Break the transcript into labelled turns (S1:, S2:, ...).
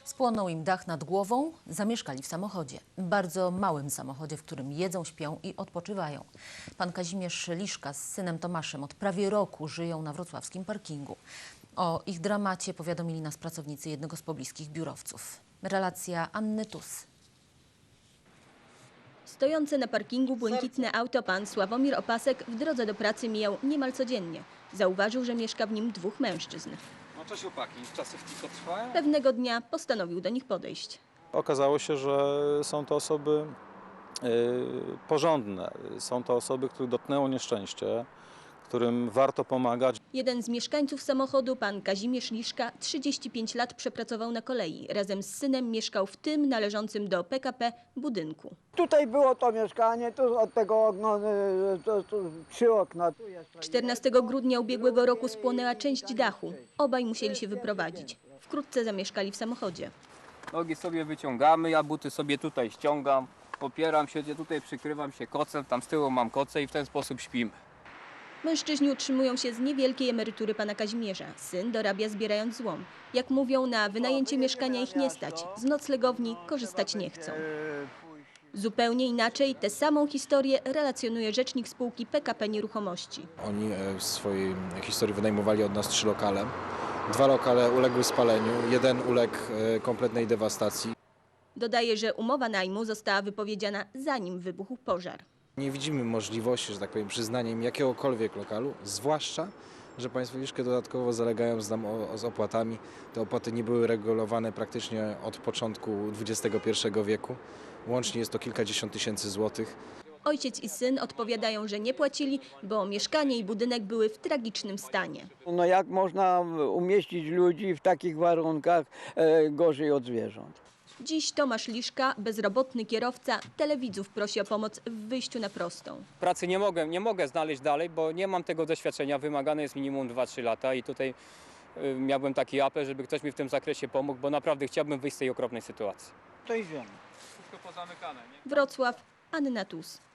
S1: Spłonął im dach nad głową, zamieszkali w samochodzie. Bardzo małym samochodzie, w którym jedzą, śpią i odpoczywają. Pan Kazimierz Liszka z synem Tomaszem od prawie roku żyją na wrocławskim parkingu. O ich dramacie powiadomili nas pracownicy jednego z pobliskich biurowców. Relacja Anny Tus.
S2: Stojące na parkingu błękitne auto pan Sławomir Opasek w drodze do pracy mijał niemal codziennie. Zauważył, że mieszka w nim dwóch mężczyzn.
S3: No cześć chłopaki, czasy tylko trwają?
S2: Pewnego dnia postanowił do nich podejść.
S4: Okazało się, że są to osoby porządne. Są to osoby, których dotknęło nieszczęście, którym warto pomagać.
S2: Jeden z mieszkańców samochodu, pan Kazimierz Liszka, 35 lat przepracował na kolei. Razem z synem mieszkał w tym należącym do PKP budynku.
S5: Tutaj było to mieszkanie, tu od tego okna, 3 okna.
S2: 14 grudnia ubiegłego roku spłonęła część dachu. Obaj musieli się wyprowadzić. Wkrótce zamieszkali w samochodzie.
S3: Nogi sobie wyciągamy, ja buty sobie tutaj ściągam, opieram się, tutaj przykrywam się kocem, tam z tyłu mam koce i w ten sposób śpimy.
S2: Mężczyźni utrzymują się z niewielkiej emerytury pana Kazimierza. Syn dorabia zbierając złom. Jak mówią, na wynajęcie mieszkania ich nie stać. Z noclegowni korzystać nie chcą. Zupełnie inaczej tę samą historię relacjonuje rzecznik spółki PKP Nieruchomości.
S6: Oni w swojej historii wynajmowali od nas 3 lokale. 2 lokale uległy spaleniu, 1 uległ kompletnej dewastacji.
S2: Dodaje, że umowa najmu została wypowiedziana zanim wybuchł pożar.
S6: Nie widzimy możliwości, że tak powiem, przyznania im jakiegokolwiek lokalu, zwłaszcza, że państwo troszkę dodatkowo zalegają z opłatami. Te opłaty nie były regulowane praktycznie od początku XXI wieku. Łącznie jest to kilkadziesiąt tysięcy złotych.
S2: Ojciec i syn odpowiadają, że nie płacili, bo mieszkanie i budynek były w tragicznym stanie.
S5: No jak można umieścić ludzi w takich warunkach gorzej od zwierząt?
S2: Dziś Tomasz Liszka, bezrobotny kierowca, telewidzów prosi o pomoc w wyjściu na prostą.
S3: Pracy nie mogę znaleźć dalej, bo nie mam tego doświadczenia, wymagane jest minimum 2-3 lata i tutaj miałbym taki apel, żeby ktoś mi w tym zakresie pomógł, bo naprawdę chciałbym wyjść z tej okropnej sytuacji.
S5: To idziemy.
S3: Wszystko pozamykane, nie?
S2: Wrocław, Anna Tus.